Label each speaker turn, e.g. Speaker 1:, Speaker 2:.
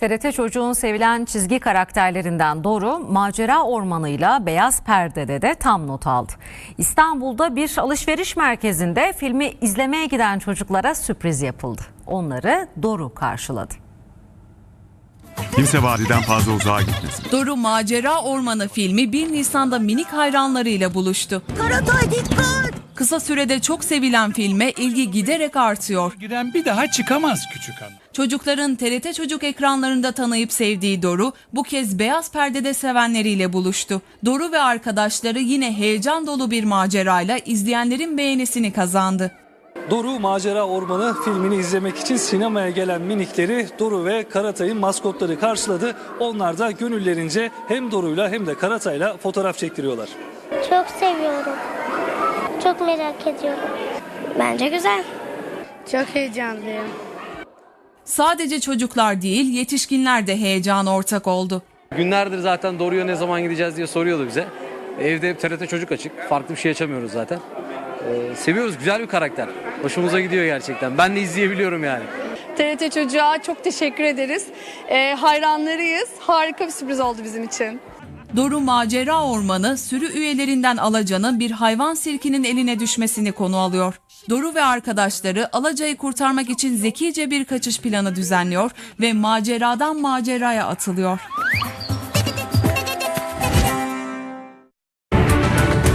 Speaker 1: TRT Çocuğun sevilen çizgi karakterlerinden Doru, macera ormanıyla Beyaz Perde'de de tam not aldı. İstanbul'da bir alışveriş merkezinde filmi izlemeye giden çocuklara sürpriz yapıldı. Onları Doru karşıladı.
Speaker 2: Kimse vadiden fazla uzağa gitmesin.
Speaker 3: Doru Macera Ormanı filmi 1 Nisan'da minik hayranlarıyla buluştu.
Speaker 4: Karatay dikkat!
Speaker 3: Kısa sürede çok sevilen filme ilgi giderek artıyor.
Speaker 5: Giren bir daha çıkamaz küçük hanım.
Speaker 3: Çocukların TRT Çocuk ekranlarında tanıyıp sevdiği Doru bu kez Beyaz Perde'de sevenleriyle buluştu. Doru ve arkadaşları yine heyecan dolu bir macerayla izleyenlerin beğenisini kazandı.
Speaker 6: Doru Macera Ormanı filmini izlemek için sinemaya gelen minikleri Doru ve Karatay'ın maskotları karşıladı. Onlar da gönüllerince hem Doru'yla hem de Karatay'la fotoğraf çektiriyorlar.
Speaker 7: Çok seviyorum. Çok merak ediyorum. Bence güzel.
Speaker 4: Çok heyecanlıyım.
Speaker 3: Sadece çocuklar değil, yetişkinler de heyecana ortak oldu.
Speaker 8: Günlerdir zaten Doru'ya ne zaman gideceğiz diye soruyordu bize. Evde hep TRT Çocuk açık. Farklı bir şey açamıyoruz zaten. Seviyoruz, güzel bir karakter. Hoşumuza gidiyor gerçekten. Ben de izleyebiliyorum yani.
Speaker 9: TRT Çocuğa çok teşekkür ederiz. Hayranlarıyız. Harika bir sürpriz oldu bizim için.
Speaker 3: Doru Macera Ormanı sürü üyelerinden Alacan'ın bir hayvan sirkinin eline düşmesini konu alıyor. Doru ve arkadaşları Alaca'yı kurtarmak için zekice bir kaçış planı düzenliyor ve maceradan maceraya atılıyor.